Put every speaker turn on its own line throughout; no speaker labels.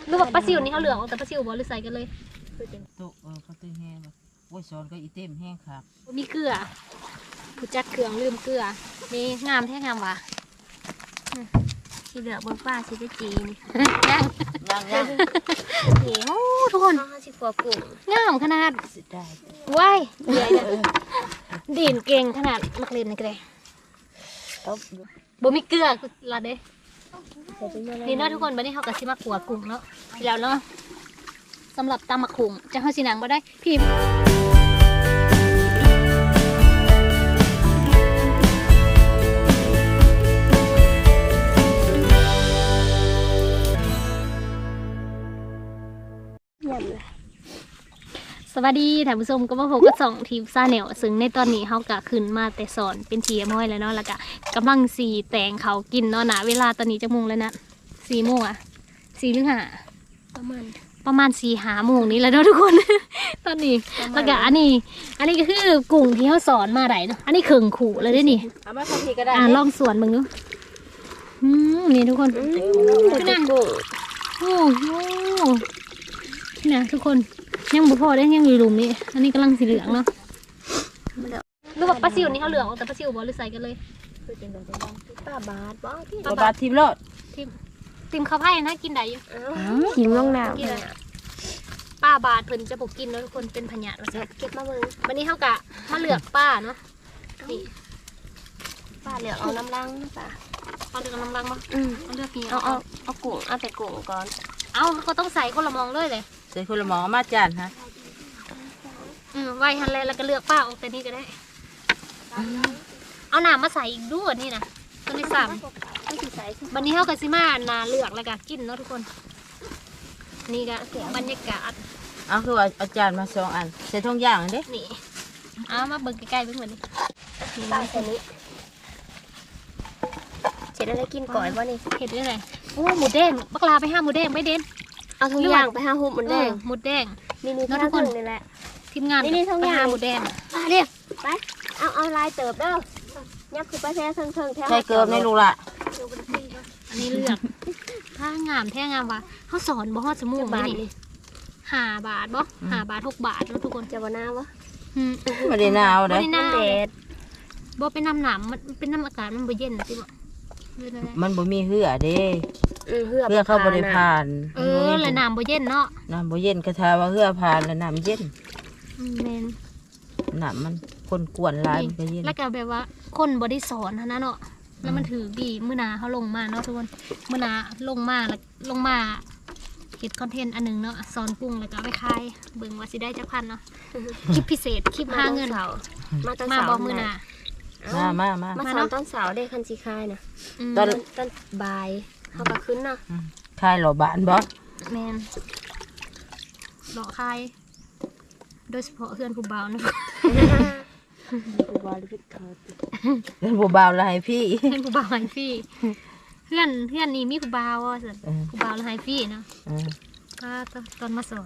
หรือว่าปลาซิวนี่เขาเหลืองแต่ปลาซิวบ่หรือใส่กันเลย
โตเขาตื้อแห้งแบบโอ้ยสอนก็อีเต็มแห้งครับ
มีเกลือผู้จัดเครื่องลืมเกลือนี่งามแท้งามว่ะสีเหลืองบนฟ้าสีได้จีนี่
ย่าง
นี่โอ้ทุกคน
สิกว่ากุ้ง
งามขนาด
สุดได้
ว้ายใหญ่เลยดินเก่งขนาดมักเล่นนี่ก็ได้บ่มีเกลือละเด้นี่เนาะทุกคนบัดนี้เขาก็สิมาขัวกุ้งเนาะแล้วเนาะสำหรับตำมะขุ่งจะเฮาสิหนังบ่ได้พี่สวัสดีท่านผู้ชมก็มาพบกับสองทีมซาแนลซึ่งในตอนนี้เขากะขึ้นมาแต่สอนเป็นเชียร์ม้อยแล้วเนาะแล้วก็กำลังสีแตงเขากินเนาะนะเวลาตอนนี้จะโมงแล้วนะ4 โมงอะ4 หรือ 5ประมาณ4-5 โมงนี้แล้วเนาะทุกคน ตอนนี้แล้วก็อันนี้ก็คือกุ้งที่เขาสอนมาได้เนาะอันนี้เข่งขู่เลยด้วยนี่
เอามาทำทีก็ได้
ลองสวนมึงดูนี่ทุกคนขึ้นนั่งโอ้โหนี่นะทุกคนยังบุพอได้ยังอยู่หลุมนี่อันนี้กำลังสีเหลืองเนาะหรือว่าปลาซิวนี่เขาเหลืองแต่ปลาซิวบอหรือใส่กันเลย
ป้าบาทบ้าง
บาททิมรอด
ทิมข้าวไผ่นะกินได้อยู่
หิมลงน้
ำป้าบาทเพิ่นจะปกกินแล้วทุกคนเป็นพญาติ
เก็บมาเบิ่ง
วันนี้เขากะมาเลือกป้าเนาะนี่
ป้าเหลือเอาน้ำลังป้า
เอาเลือกน้ำลังมาเอาเลือกนี่
เอากุ้งเอาแต่กุ้งก่อน
เอาก็ต้องใส่คนละมองเลย
ใส่คนละหมอมาจานฮะ
ไว้ทันเลยแล้วก็เลือกป้าออกแต่นี่ก็ได้เอาหนามาใส่อีกด้วยนี่นะตัวที่3วันนี้เขากับซิมานาเลือกแล้วก็กินเนาะทุกคนนี่ก็บรรยากาศ
เอาคือว่าเอาจานมา2 อันใส่ทงย่างเด้
นี่เอามาเบิ่งใกล้ๆเบิ่งเหมือนนี่
ป้าใส่นี้เจ็ดอะไรกินก่อยบ่นี่
เห็ดได้ไงโอ้หมูแดงบักลาไป5 หมูแดงไม่เด่น
เอาทุกอย่างไป5 หุบหมูแดง
หมูแดง
นี่ทุกคนนี่แหละ
ทีมงาน
นี่ทุกอย่าง
หมูแดง
เรียกไปเอาลายเติบเด้อยับคือไปแท้เชิงแท้
ใส่เกลือในลูกละ
อันนี้เลือกถ้างามแท้งามว่ะเขาสอนบ่ฮอดสมูกนี่5 บาทบ่5 บาท6 บาทแล้วทุกคน
จะบ่หนาวะ
ไม่ได้หนาวเด้
มันแดดบ่เป็นน้ำหนามมันเป็นน้ำอากาศมันบ่เย็นสิบ่
มันบ่มีเหือเด้
เหือ
เข้าบ่ได้ผ่าน
แล้วน้ำบ่เย็นเนาะ
น้ำบ่เย็นกระทาว่าเหือผ่านแล้วน้ำเย็น
แม่น
น้ำมันคนกวนลายมันก็เย็น
แล้วก็แบบว่าคนบ่ได้สอนนะเนาะแล้วมันถือดีมื้อนาเขาลงมาเนาะทุกคนมื้อนาลงมาเฮ็ดคอนเทนต์อันนึงเนาะสอนปรุงแล้วก็เอาไปขายเบิ่งว่าสิได้จักพันเนาะคลิปพิเศษคลิปหาเงินมาบ่มื้อนา
มาสอนตอนเสาร์ได้คันสิคายนะตอนบ่ายเขาก็ขึ้นเนาะ
คายหล่อบานบ่
แม่นหล่อคายโดยเฉพาะเพื่อนผู้บ่าวนะ
ผู้บ่าวหรือเพื่อน
เพื่อนผู้บ่าวละให้พี่
เพื่อนผู้บ่าวให้พี่เพื่อนนี่มีผู้บ่าวอ่ะสิผู้บ่าวละให้พี่เนาะก็ตอนมาสอน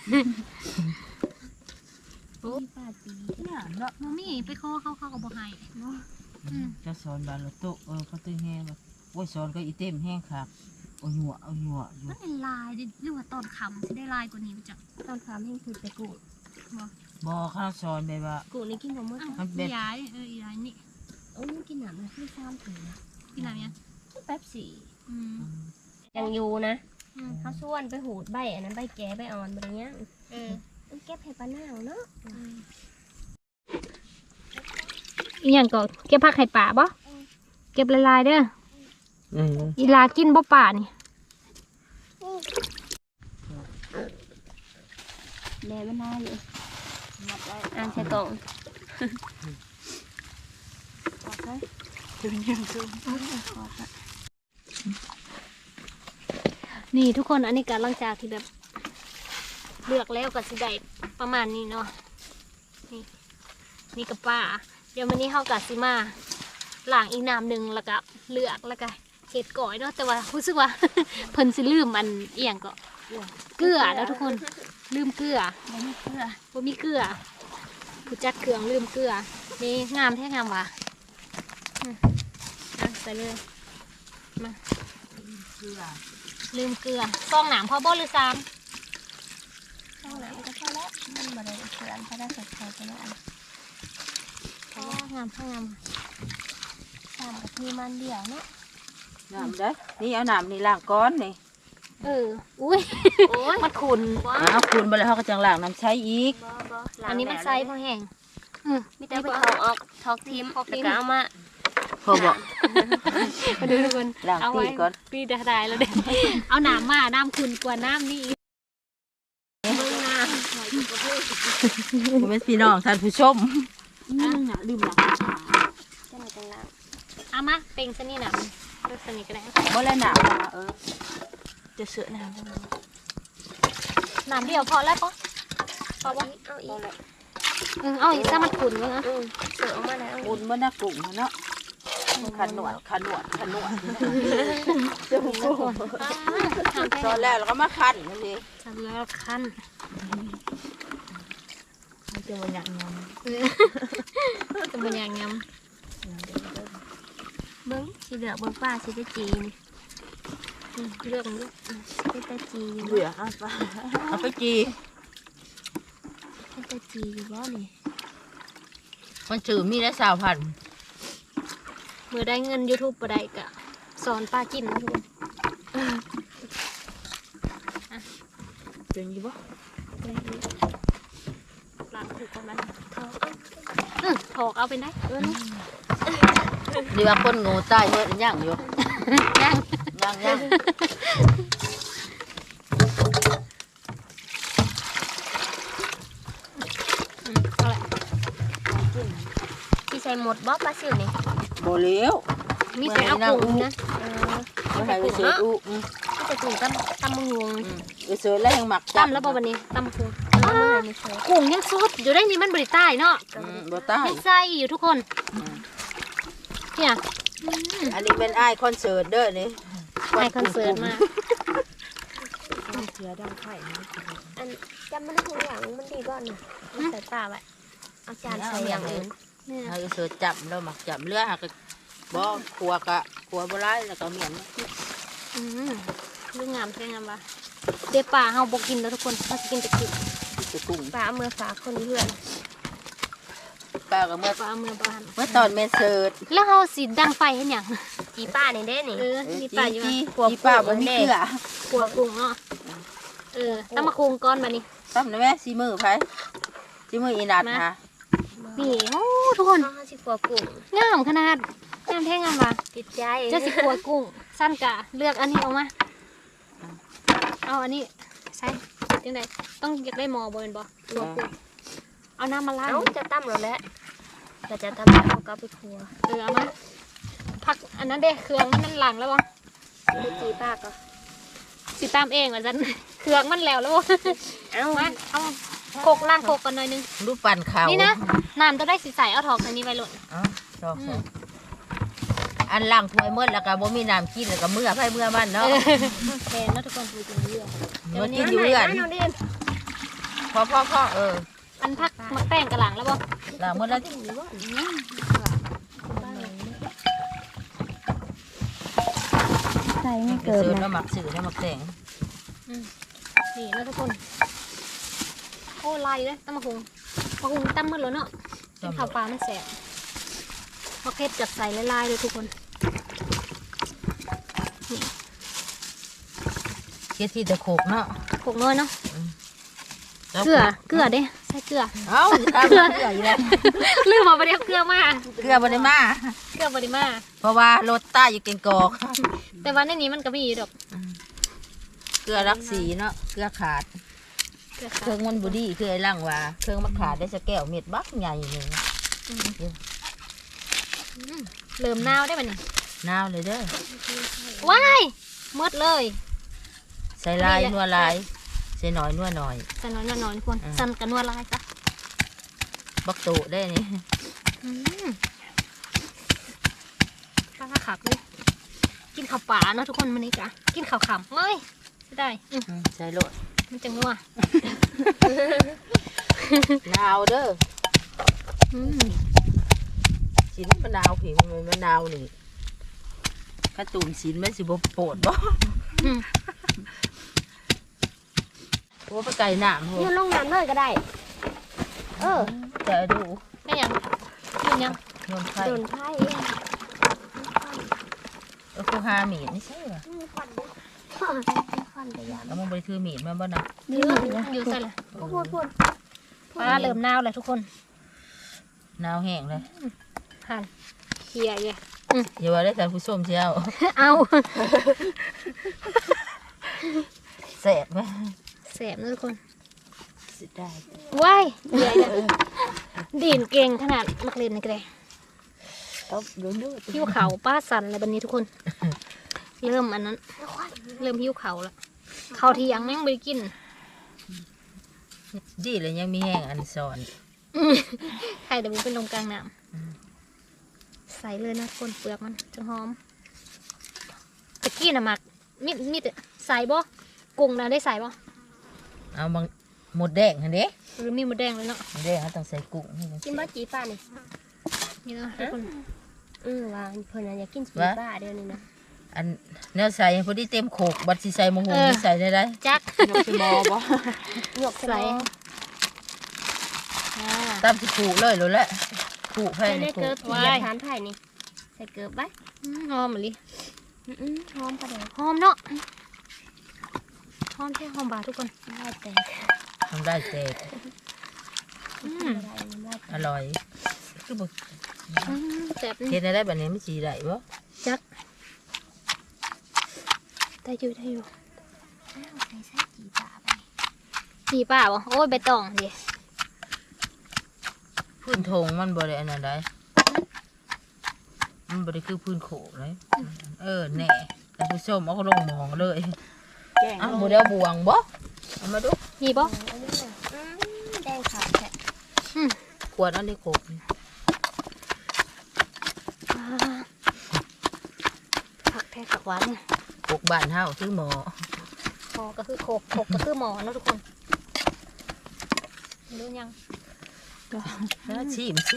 โอ้ป้าตีเนี่ยเนาะมัมมี่ไปข้อเขาก็บ่ให้เนาะ
จะสอนบานรถโต๊ะเขาตื้อแห้งแบบโอ้ยสอนก็อีเต็มแห้งครับเอาหยัว
มันเป็นลายหรือว่าตอนคำสิได้ลายกว่านี้จัง
ตอนคำให้คือไปกุ้ง
บ่ข้าวสอนแบบว่า
กุ้งนี่กินกับมื้อ
มันเป็นย้ายย้ายนี่
กินหนามเลยไม่ซ้ำถึง
กินหนามยัง
แป๊บสี่ยังอยู่นะเขาส่วนไปหูดใบอันนั้นใบแก่ใบอ่อนแบบนี้เก็บให้ปลาหน้าเนาะ
อีหยังก็เก็บผักไข่ป่าบ่เก็บลายๆเด้ออีลากินบ่ป่านี่
แม่มันน่าอยู่อ่านใส่กล่อง
นี่ทุกคนอันนี้การหลังจากที่แบบเลือกแล้วก็สิได้ประมาณนี้เนาะนี่กับป้าเดี๋ยววันนี้เขากับซิมาล้างอีกน้ำหนึ่งแล้วก็เลือกแล้วก็เห็ดก่อยเนาะแต่ว่ารู้สึกว่าเพิ่นสิลืมมันเอียงก็เกลือแล้วทุกคนลืมเกลือบ่มีเกลือผู้จัดเครื่องลืมเกลือนี่งามแท้งามว่ะใส่เลยมาลืมเกลือซองหนามพอบ่หรือซ้
ข้างหลังก็พอแล้วมันบ่ได้เสือนเพราะได้ใส่ไข่ไปแล้วอัน
ำอ๋องามงาม
ตามกับมีมันเดียวเนาะ
น้ำได้นี่เอาน้ำนี่ล้างก้อนนี่
อุ้ย
โอ้ย
มันขุน
เอาคุณไปแล้วเขาก็จังล้างน้ำใช้อีก
บ่
อันนี้มันไซส์พอแห้ง
มีแต่ไปเขาออกทอกทิมแล้วก็เอามา
พอบอก
มาดูทุกคน
ล้าง
เอา
ตี
ไว้
ก่อน
ปีได้แล้วเด้เอาน้ำมาน้ำขุนกว่าน้ำนี่
เบิ่งหน้า
คุณเป็นพี่น้องท่านผู้ชมลืมล้าง
จังจังล่าง
เอามาเป่งซะนี่น่ะเลือกซะนี่ก็ได้
บ่แล้วน้ำจะเสือน้ำ
น้ำเดียวพอแล้วปะพอปะ
เอาอีก
เอาอีกถ้ามันขุนก็นะ
เสือออกมาแล้ว
บุญมันน่ากุ้งเนาะขันหนวดตอนแรกเราก็มาขันนั่นเอง
ทำแล้วขั้น
มันจะมันอย่างงาม
จะเป็นอย่างงาม
เบิ่งสีเหลืองเบิ่งป้าสีตะจีนี่
เรื่องนี้
เป็นตะจีอยู่
เบื่อเอาไปจี
เป็นตะจีอยู่บ่นี่
มันชื่อมีได้20,000
เมื่อได้เงิน YouTube บ่ได้กะสอนป้ากินนะทุกคน
เป็นยี่บ่
ล้างถูกก่อนมันถอกเอาเป็นได้นี่
ดีว่าคนงูตายเมื่อย่างอยู่
ย่าง
ย่าง
เอาแหละ
ที่ใส่หมดบ่ปลาซิวนี่
โบเลี้ยว
มีแต่เอากุ้งนะ
ไม่ให้ไปเสืออุ
ที่จะถุงตำมือวง
ไปเสือแล้วยังหมัก
ตั้มแล้วบ่วันนี้ตั้มกุ้ง
เอามือให้ไม่ใส่
กุ้งยังสดอยู่ได้นี่มันบริใต้เนาะ
บ่ตาย
ยังใส่อยู่ทุกคนเนี่ย
อันนี้เป็นไอ้คอนเสิร์ตเด้อนี่
ไอคอนเสิร์ตมา
เสือดังไข่
อันจำมันได้ทุกอย่างมันดีบ่น่ะใส่ป้าไว้เอาจานใส่อย่างอื่น
เนี่ย
ให้เสือจับแล้วหมักจับเลือหักบ่ขัวกะขัวบ่ร้ายแล้วก็เหมียน
เรื่องงามใช่งามปะเดี๋ยวป่าเฮาบอกกินแล้วทุกคนเราจะกินแต่กุ้ง
จะกุ้ง
ป้าเอามือฝากคนเพื่อน
ป้าก็เมื่อ
ป่าเอามือบ้าน
ตอนเมนเสิร์ต
แล้วเฮาสิดังไฟเห็นหยัง
จีป้านี่เด้นี่
มีป่าอยู่
จีป้าบ่มีเกลือ
ขัวกุ้งเนาะตั้งมาคุงก้อนบัดนี้
ซ้ำนะแม่ซีมือไผซีมืออีนัดค่ะ
นี่โอ้ทุกคน
เขาสิกลัวกุ้ง
งามขนาดงามแท้งามว่ะ
ติดใจ
เจะสิขัวกุ้งสั้นกะเลือกอันนี้ออกมาเอาอันนี้ใส่จังไดต้องอยากได้หมอบ่แม่นบ่ขัวกุ้งเอาน้ำมาล้าง
เอ้าจะตั้มแล้วแหละก็จะตั้มแล้วเอากลับไปครัว
เอามาผักอันนั้นเด้เครื่องมันนั่นหลังแล้วบ่
ดูจีป้าก็
สิตามเองว่าซั่นเครื่องมันแล้วบ่
เอ้า
มาเอาโคกล้างโคกกันหน่อยนึง
รูปปั่นขาว
นี่นะน้ำจะได้สิใสเอาถอกอันนี้ไว้หล่น
ชอบอันล่างถ้วยเมื่อแล้วก็บ่มีน้ำกินแล้วก็เมื่อไผเมื่อมันเนาะ
แทนแล้วทุกคนดูจริงเรื่อง
มันกินอยู่เรื่อน
น้องดิน
พ่อ
อันพักมักแป้งกระหลังแล้วบ่
ล่างเมื่อแล้ว
ใส่ไม่
เสือแล้วหมักสื่อแล้วหมักแตง
นี่แล้วทุกคนโอ้ลายเลยตั้มมะฮุงตั้มหมดแล้วเนาะกินข้าวปลามันแสบพอเค็ดจัดใส่ลายๆเลยทุกคน
เฮ็ดที่ตะโขกเนาะ
โขกน้อยเนาะเกลือเด้ใส่เกลือ
เอ้าตามเกลืออยู่แล้ว
ลืมมาประเดี๋ยวเกลือมา
เกลือบ่ได้มา
เกลือบริมา
เพราะว่ารถใต้อยู่เกงกอก
แต่ว่าในนี้มันก็มีอยู่ดอก
เกลือรักสีเนาะเกลือขาด
เกลือ
เครื่องมันบ่ดีคือไอ้ล่างว่าเครื่องมันขาดได้สักแก้วเม็ดบักใหญ่นี่
เริ่มนาวได้ป่ะเนี่ย
นาวเลยเด้อ
ว้ายหมดเลย
ใส่ลายนัวลายใส่หน่อยนัวหน่อย
ใส่น้อยๆทุกคนสั่นกันนัวลายจ้ะ
บักโตได้นี่
ป้าขับเลยกินข้าวป่าเนาะทุกคนมันนี่กะกินข้าวขำไม่ได้
ใส่โลด
มันจะงัว
นาวเด้อสินมะนาวผิวมันมะนาวนี่ข้าตูมสินมันสิบ่โปดบ่โอ้ไปไก่หนามโห
โยนลงน้ำเลยก็ได้
จะดู
ไม่ยังกินยัง
โยนไข่
โดนไพ่
กูหาหมีดนี่ใช่ป่ะ
ควันไปยาม
แล้วมึงไปถือหมีดมาบ่นะ
อยู่ใส่ละ
พูด
ปลาเริ่มหนาวเลยทุกคน
หนาวแห้งเลย
หั่นเขี่ยเย่
อย่าว่าได้ท่านผู้ชมเชียว
เอา
แสบไหม
แสบนะทุกคน
สิได้
ว้ายใหญ่เลยดีนเก่งขนาดมักเล่นนี่ก็ได้
ต้องดูดู
หิ้วเขาป้าสันอะไรแบบนี้ทุกคน เริ่มอันนั้น เริ่มหิ้วเขาแล้วเขาที่ยังไม่ได้กิน
ดีเลยยังมีแห้งอันสอน
ไข่เดี๋ยวมันเป็นลมกลางน้ำใส่เลยนะคนเปลือกมันจะหอมตะกี้น่ะหมักมีแต่ใส่บ่กุ้งนะได้ใส่บ่
เอาบางหมดแดงหันเด้
หรือมีหมดแดงเลยเนาะ
หมดแดงเขาต้องใส่กุ้งให้มัน
กินบ้าจีป้านี่
นี่เนาะทุกคน
ว่าเพิ่นอยากกินจีป้าเดี๋ยวนี้นะ
อันเนื้อใส่พอดีเต็มโขกบัดสิใส่มะฮงนี่ใส่ได้
จัก
ยกหยก
ใส่อ่า
ตามสิผูเลยรู้แล้วผูแพ้
ใส่ใน
นี่ผู
เกิบเหยียบฐานไผ่นี่ใส่เกิบไว้
หอมมะลิ
หอมประเดี๋ยว
หอมเนาะหอมแค่หอมบาทุกคน
ได้แต่
ทำได้แตก
ได้
อร่อยคือบอก
แซ่บนี่
เฮ็ดได้แบบนี้ไม่สีได้บ่
จักได้อยู่ได้อยู่
ใส่จีป้าไป
จีป่าบ่โอ้ยใบตองดิ
พื้นทงมันบ่ได้อันนั้นได้มันบ่ได้คือพื้นโขกเลยแหน่แต่ผู้ชมเอาก็ลงหมองเลยอ้าวบ่ได้เอาบวงบ่เอามาดู
มีบ่
แดงขาวแฉะ
ขวดอันนี้โขกนี่
ผักแท้ผักหวานเนี่ย
โขกบ้านเฮาคือหมอ
หมอก็คือโขกก็คือหมอเนาะทุกคนรู้ยัง
แล้วชิม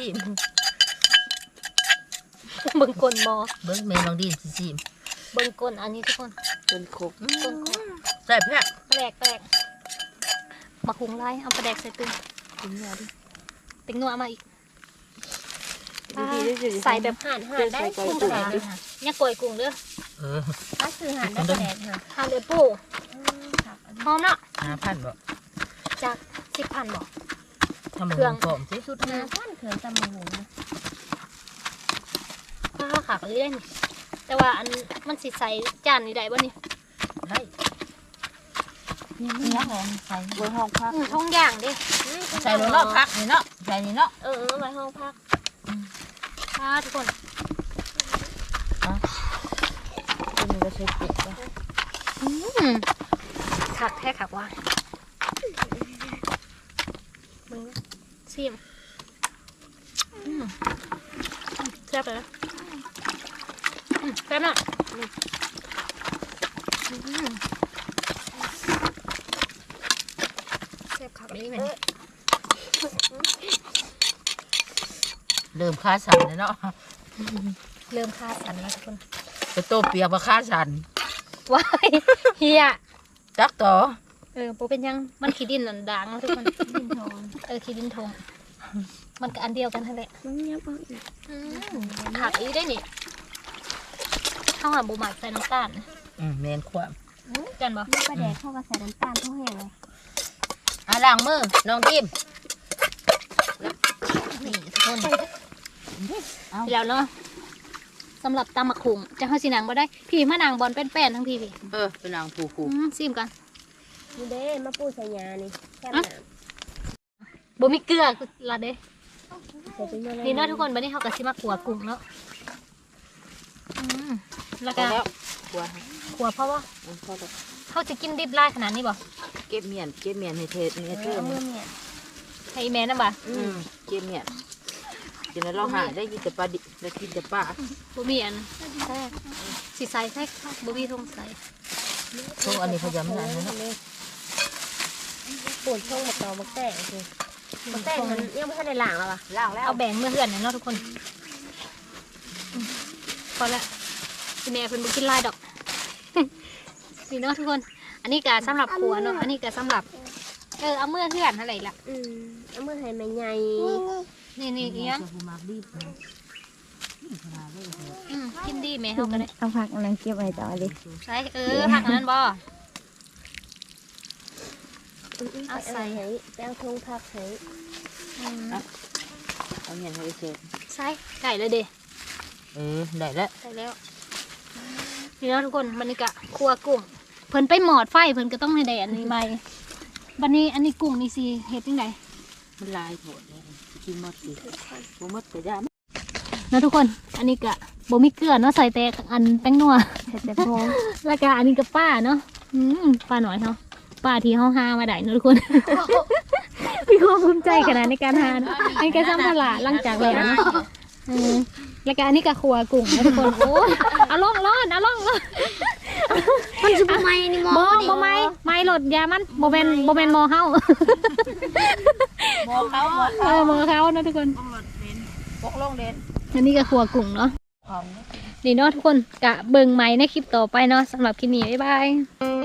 เบิ่งก้นหมอ
เบิ่งแม่น้องดินสิชิม
เบิ่งก้นอันนี้ทุกคน
เป็นโขก
ก้นโขก
แซ่บแท้
แปลกมาคุงไล่เอาปลาแดกใส่ตึง
กินเนื้อดิ
ติ๊งนัวมาอีกใส่แบบ
ห่านได้
กุ้งปลาแดกเลยค่ะเนี่ยกล้วยกุ้งเด้อ
ถ้าคือห่านได้แดงค่ะ
ทานเลยปูหอมเนาะ
5,000บ่
จาก10,000บอก
ทำหมูพร้อมสิ
สุดหาท่านเขินตำมูนะ
ข้าวขาเลยได้นี่แต่ว่าอันมันสิใส่จานนี่ได้บ่นี่
ได้เนื้อหอมใส่บนห้องพัก
ท้องย่างเด้
ใส่บนนอกพักนี่เนาะใส่นี่เนาะ
ไว้ห้องพัก
ทุกคน
ตัวนี้ก็ใช้ปิดป่ะ
ขักแท้ขักว่ามึงซิมแซ่บเลยนะแซ่บเนาะแซ่บขักเลยแม่
เริ่มค่าสันเลยเนาะ
เริ่มคาสันแล้วทุกคน
ไปโตเปียกมาค่าสัน
ว้ายเฮีย
จักต่อ
โปเป็นยังมันขี้ดินหนันด่างแล้วทุกคน
ดินทอง
ขี้ดินทงมันก็อันเดียวกันทั้งแหละ
น้ำเงี้ยบเอาอีก
ผักอีได้นี่ข้าวหอมบูหมักใส่น้ำตาล
แมนความ
กันบ่
นี่ปลาแดกเข้ากับใส่น้ำตาลเท่าแห้งเลย
ล้างมือน้องดิม
นี่ทุกคนแล้วเนาะสำหรับตำมะขุงจะให้สีนางบ่ได้พี่มะนางบอลเป็นแป้นทั้งพี่พี่
เป็นนางผู
ซิมกัน
นี่เด้มาปูใส่ยานี่แค่น้ำ
บ่มีเกลือละเด้
ใส่เป็นยังไง
นี่เนาะทุกคนบัดนี้เขาก็สิมาขัวกุ้งเนาะแล้วก็
กลัว
ขัวเพราะว่า
พอแล้ว
เขาจะกินดิบไล่ขนาดนี้บ่
เก็บเมียนให้เทศเนี่ยเพิ่ม
เมื่อเนี่ย
ให้แม่นำบ่
เก็บเมียนกินแล้วเราหาได้กินแต่ปลาดิได้กินแต่ปลา
บ่มีอันสิใส่แท้บ่มีทงใส่
พวกอันนี้เขาจะไม่ได้เนาะ
ปวดช่องมาต่อมาแตกเลยมาแตกมันยังไม่ทันได้ล้างแล้วอ่ะ
ล้างแล้ว
เอาแบ่งเมื่อเฮือนเนาะทุกคนพอละสิแม่เพิ่นบ่กินลายดอก นี่เนาะทุกคนนนี้ก็สำหรับขัวเนาะอันนี้ก็สำหรับเอาเมื่อเพื่อนอะไรล่ะ
เอามือให้แม่ใหญ่
นี่อีกยัง
มาบีบ
กินดีไหมเฮาก็ได้
เอาผักอันนั้นเก็บไว้ต่อดิ
ใช่ผักอันนั้นบ่
เอาใส่ให้ไปเอาทงผักให้
เอาเงินให้เสร็จ
ใช่ไก่เลยเด้
ได้แล้ว
ใช่แล้วนี่เนาะทุกคนบรรยากาศครัวกุ้งเพิ่นไปหมอดไฟเพิ่นก็ต้องในแดดนี่ใหม่บัดนี้อันนี้กุ้งนี่สิเฮ็ดจังได
มันลายโถดเลยกินหมดสิบ่หมดก็ได้
นะทุกคนอันนี้ก็บ่มีเกลือเนาะใส่แต่อันแป้งนัว
แต่พอ
แล้วก็อันนี้ก็ป้าเนาะป้าหน่อยเนาะป้าที่เฮาหามาได้เนาะทุกคน มีความภูมิใจขนาดในการหาเนาะอันนี้ก็ซ้ำตลาดหลังจากแล้วเนาะแล้วก็อันนี้ก็ครัวกุ้งนะทุกคนโอ้ยเอาล่องร้อน
มันสิบ่ไหม้นี่หมอ
บ่ไม่หลดยามันบ่แม่นหมอเฮา
หมอเขา
หมอเขานะทุกคน
ปกลงเด่น
อันนี้ก็ครัวกุ้งเนาะ
ของ
นี่เนาะทุกคนกะเบิ่งใหม่ในคลิปต่อไปเนาะสำหรับคลิปนี้บ๊ายบาย